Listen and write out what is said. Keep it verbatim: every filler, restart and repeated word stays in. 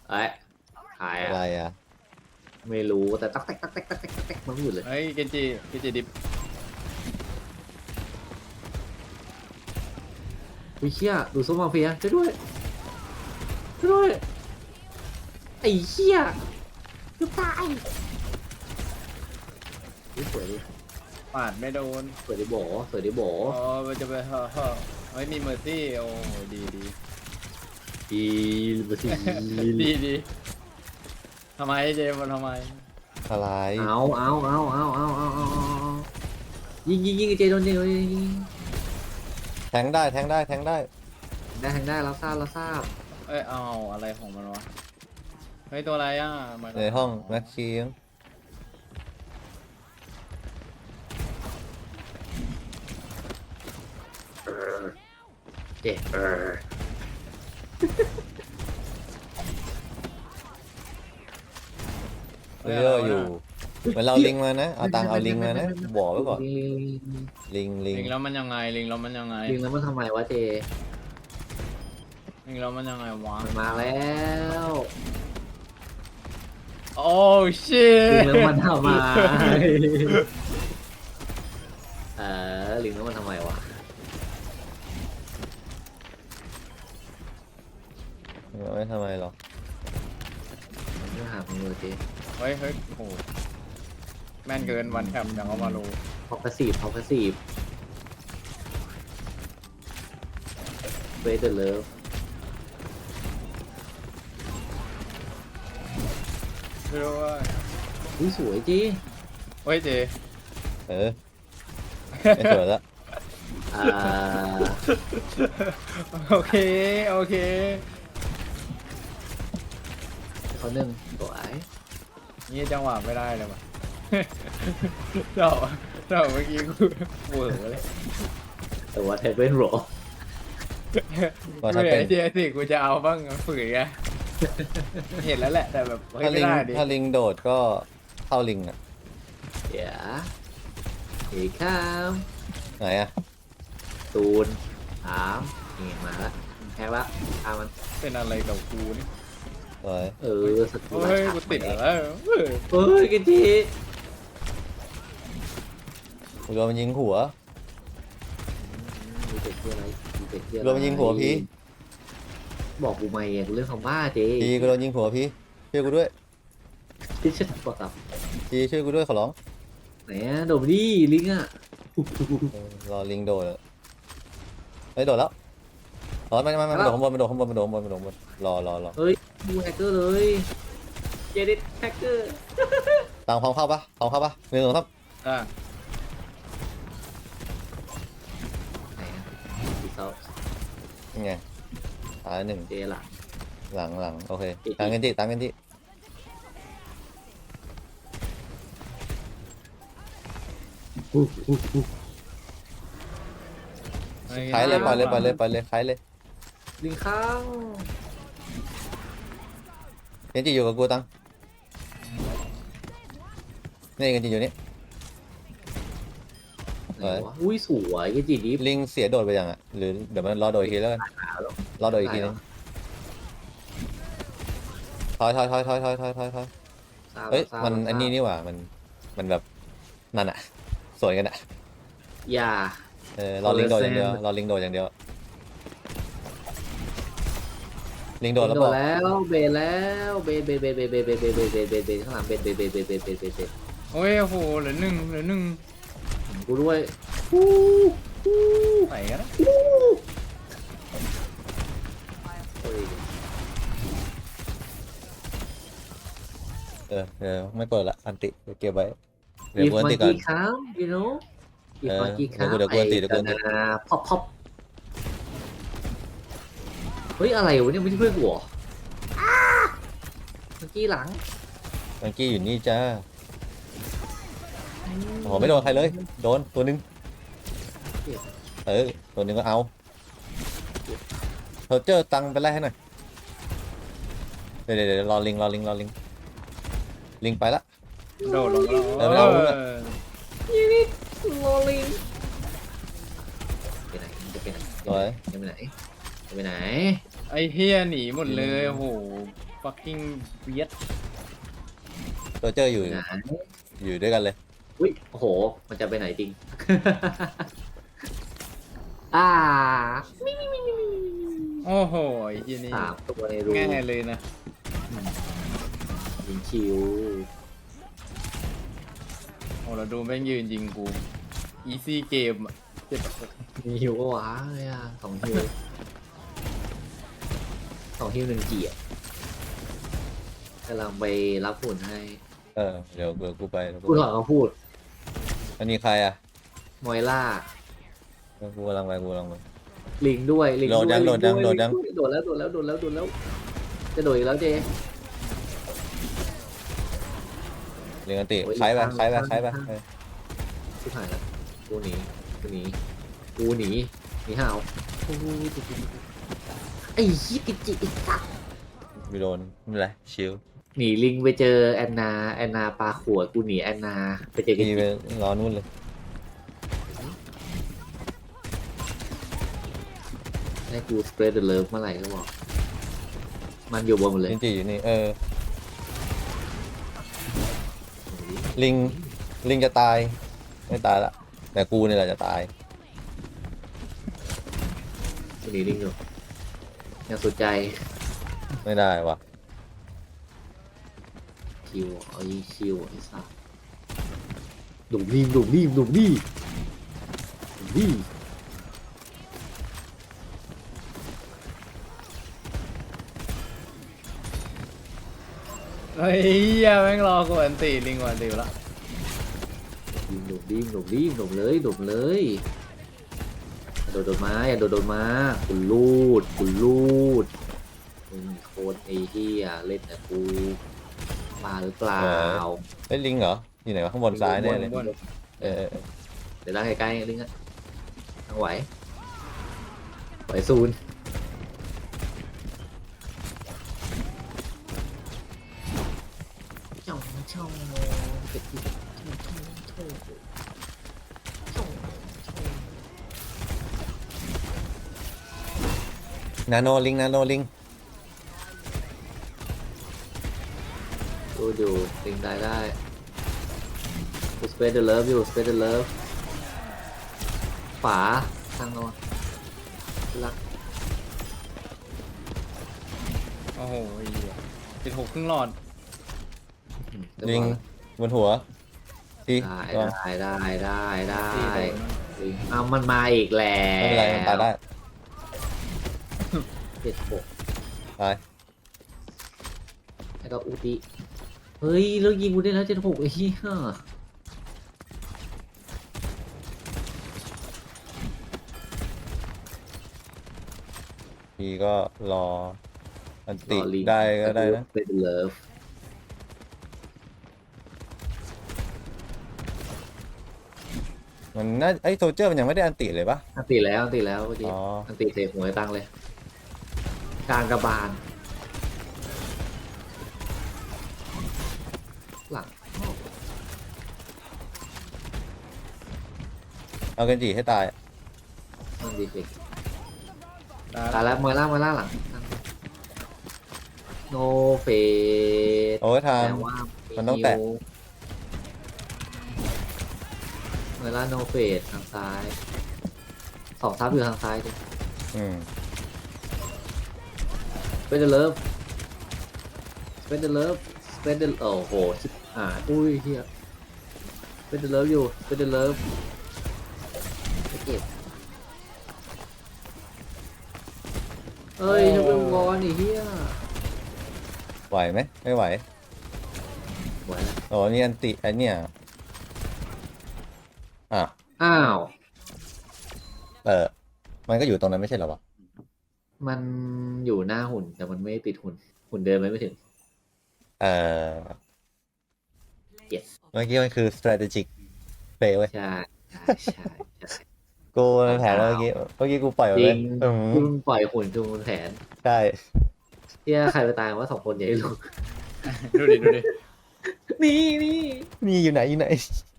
เอ้ยหายอะไรอ่ะอ่ะไม่รู้แต่ตักแตกตักแตกตักแตกตักแตกมันไม่หยุดเลยเฮ้ยเกนจิเกนจิดิบวิเชี่ยดูซุปมาเฟียช่วยด้วยช่วยด้วยไอ้เชี่ยจะตายนี่สวยดิปาดไม่โดนสวยดิโบสวยดิโบอ๋อมันจะไปเฮ้อเฮ้อเฮ้ยมีเมอร์ซี่โอ้ดีดีอีบสิดีดีทำไมเจมมันทำไมอะไรเอาเอาเอาเอาเอาเอาเอาเอายิงยิงยิงไอ้เจโดนยิงโดนยิงยิงแทงได้แทงได้แทงได้ได้แทงได้เราทราบเราทราบเอ้ยเอาอะไรของมันวะเฮ้ยตัวอะไรอ่ะมันในห้องแม็กชีมเจเออเยอะอยู่เหมือนเราลิงมานะเอาตังค์เอาลิงมานะบอกไว้ก่อนลิงลิงลิงแล้วมันยังไงลิงแล้วมันยังไงลิงแล้วมันทำไมวะเจลิงแล้วมันยังไงวะมันมาแล้วโอ้ชิตลิงแล้วมันทำไมเออลิงแล้วมันทำไมวะไม่ทำไมหรอกมันไม่หามึงเลยเจเฮ้ยเฮ้ยโอ้โหแม่นเกินวันแคมอย่างเอามาโลพอกระสีพอกระสีเวทเดอร์เลิฟไม่รู้ว่าอุ้ยสวยจีเฮ้ยเจเออไม่สวยละอ่าโอเคโอเคเขาหนึ่งสวยนี่จังหวะไม่ได้เลยว่ะ เจ้าเจ้าเมื่อกี้กูเวอร์เลยแต่ว่าเทปเป็นโรก็กูถ้าเห็เป็นนเจสิกูจะเอาบ้างฝืนไงเห็นแล้วแหละแต่แบบเฮ้ยถ้าไม่ลิงได้ดิถ้าลิงโดดก็เข้าลิงอ่ะเดี๋ยวเฮ้ยข้ามไหนอ่ะตูนสามนี่มาละแพ้ละข้ามมันเป็นอะไรกับกูนี่สวยเออสตูเฮ้ยกูติดอะไรเฮ้ยเฮ้ยกันทีกูโดนมันยิงหัวมีเป็ดที่อะไรมีเป็ดที่อะไรโดนมันยิงหัวพี่บอกกูไม่ไงกูเรื่องคำบ้าเจพี่กูโดนยิงหัวพี่ช่วยกูด้วยที่ฉันกดตับพี่ช่วยกูด้วยขอร้องไหนอะโดดมาดิลิงอะเออรอลิงโดดอะเฮ้ยโดดแล้วอ๋อไม่ไม่ไม่มันโดดข้างบนมันโดดข้างบนมันโดดข้างบนมันโดดข้างบนรอรอรอเฮ้ยดูแฮกเกอร์เลยเจดิตแฮกเกอร์ตังพร้อมเข้าปะพร้อมเข้าปะหนึ่งสองสามอ่ะไหนอะดีเซลยังไงตายหนึ่งเจหลังหลังหลังโอเคตังกันที่ตังกันที่ ใช้เลยปล่อยเลยปล่อยเลยปล่อยเลยใช้เลยลิงข้างเกนจิอยู่กับกูตังนี่เกนจิอยู่นี่ไหนวะอุ้ยสวยเจจีดิฟลิงเสียโดดไปยังอ่ะหรือเดี๋ยวมันรอโดดอีกทีแล้วกันรอโดดอีกทีนึงถอยถอยถอยถอยถอยถอยถอยถอยเฮ้ยมันอันนี้นี่หว่ามันมันแบบนั่นอ่ะสวยกันอ่ะอย่าเออรอลิงโดดอย่างเดียวรอลิงโดดอย่างเดียวลิงโดดแล้วโดบอน กแล้วเบนแล้วเบนเบนเบนเบนเบนเบนเบนเบนเบนเบนเบนข้างหลังเบนเบนเบนเบนเบนเบนเบนเบนโอ้ยโอ้โหเหลือหนึ่งเหลือหนึ่งกูด้วยใส่กันนะเฮ้ยเออเออไม่เปิดละอันติเดี๋ยวเก็บไว้เดี๋ยวอีฟกูอันมัตินก่อนกี้ค้างยูโน่อีฟมันกี้ค้างเดี๋ยวกูเดี๋ยวกูอันติเดี๋ยวกูอันติพอปพอปเฮ้ยอะไรวะเนี่ยไม่ใช่เพื่อนกูเหรอมันกี้หลังมังกี้อยู่นี่จ้าโอ้โหไม่โดนใครเลยโดนตัวนึงเออตัวนึงก็เอาเธอเจอตังค์ไปไล่ให้หน่อยเดี๋ยวเดี๋ยวเดี๋ยวรอลิงรอลิงรอลิงลิงไปละโดดลงแล้วเออไม่เอาเออยูนิตโรลิงไปไหนจะไปไหนสวยจะไปไหนจะไปไหนไอ้เฮียหนีหมดเลยโอ้โหโฟ fucking weird ตัวเจออยู่นะอยู่ด้วยกันเลยอุ้ยโอ้โห มันจะไปไหนจริง อ่าโอ้โหไอ้ที่นี่สามตัวในรูง่ายเลยนะยิงชิวโอ้เราดูแม่งยืนยิงกู easy game อะเจ็บมีฮิวก็ว้าเลยอ่ะสองฮิวสองฮิวหนึ่งเกียร์กำลังไปรับฝุ่นให้เออเดี๋ยวเบื่อกูไปเดี๋ยวกูถอนเขาพูดอันนี้ใครอ่ะมอยล่ากูกำลังไปกูกำลังไปลิงด้วยลิงโดดยังวยโดดยังลิโดดยังวโดดแล้วโดดแล้วโดดแล้วโดดแล้วจะโดดอีกแล้วเจเรียนกันติโอ้ยใช้ไปข้างใช้ไปข้างใช้ไปข้างเออชิบหายแล้วกูหนีกูหนีกูหนีหนีห่าวโอ้โหไอ้ยี่กิจิไอ้สัสไม่โดนไม่เป็นไรชิลหนีลิงไปเจอแอนนาแอนนาปลาขวดกูหนีแอนนาไปเจอกิพี่จิไปรอนู่นเลยให้กูสเปรดเดอร์เลิฟเมื่อไหร่ก็บอกมันอยู่บนหมดเลยลินจีอยู่นี่เออลิงลิงจะตายไม่ตายละแต่กูนี่แหละจะตายกูหนีลิงอยู่ยังสนใจไม่ได้วะคิวไอ้คิวไอ้สัสดุมนี่ดุมนี่ดุมนี่ดุมนี่เฮ้ยเหี้ยแม่งรอกูอันตีลิงกว่าอันตีแล้วยิงดุมดิมดุมดิมดุมเลยดุมเลยอย่าโดดโดดมาอย่าโดดโดดมาคุณลูดคุณลูดมึงโคตรไอ้เหี้ยเล่นแต่กูมาหรือเปล่าเอ้ยลิงเหรออยู่ไหนวะข้างบนซ้ายแน่เลยบนเออเออเออเดี๋ยวล่างใกล้ๆลิงอะทางไหวไหวศูนย์ช่องช่องเก็บที่ช่องช่องช่องช่องนาโนลิงนาโนลิงดูอยู่ลิงได้ได้กูสเปซเดอร์เลิฟอยู่สเปซเดอร์เลิฟฝาทางนอนรักโอ้โหไอ้เหี้ยติดหกครึ่งหลอดลิงบนหัวทีได้ก็ได้ได้ได้ได้ตีโดนลิงเอามันมาอีกแล้วไม่เป็นไรมันตายได้เจ็ดหกตายแล้วก็อุติเฮ้ยแล้วยิงกูได้แล้วเจ็ดหกไอ้เหี้ยทีก็รออันติรอลิงได้ก็ได้นะเป็นเลิฟมันน่าไอ้โซเจอร์มันยังไม่ได้อันติเลยปะอันติแล้วอันติแล้วเมื่อกี้อ๋ออันติเทหัวไอ้ตังเลยกลางกระบาลหลังเอาเกันจีให้ตายมันดีฟิกตายตายแล้วมวยล่างมวยล่างหลังโนเฟสโอ้ยทางแต่ว่ามันต้องแตะมวยล่างโนเฟสทางซ้ายสองทับอยู่ทางซ้ายดิอืมเป็นเดอร์เลิฟเป็นเดอร์เลิฟเป็นเดอร์โอ้โหชิบอ่าอุ้ยเฮียเป็นเดอร์เลิฟอยู่เป็นเดอร์เลิฟไปเก็บเอ้ยจะเป็นบอลนี่เฮียไหวไหมไม่ไหวไหวแล้วโอ้นี่อันติไอเนี่ยอ่ะอ้าวเออมันก็อยู่ตรงนั้นไม่ใช่เหรอวะมันอยู่หน้าหุ่นแต่มันไม่ติดหุ่นหุ่นเดินไปไม่ถึงเออ yes เมื่อกี้มันคือ strategic play เว้ยใช่ใช่ใช่ใช่กูมันแผนแล้วเมื่อกี้เมื่อกี้กูปล่อยจไว้ริเลยงอืมคุณปล่อยหุ่นจูงแผนใช่เฮียใครไปตายว่าสองคนอย่าให้รู้ดูดิดูดินี่นี่นี่อยู่ไหนอยู่ไหน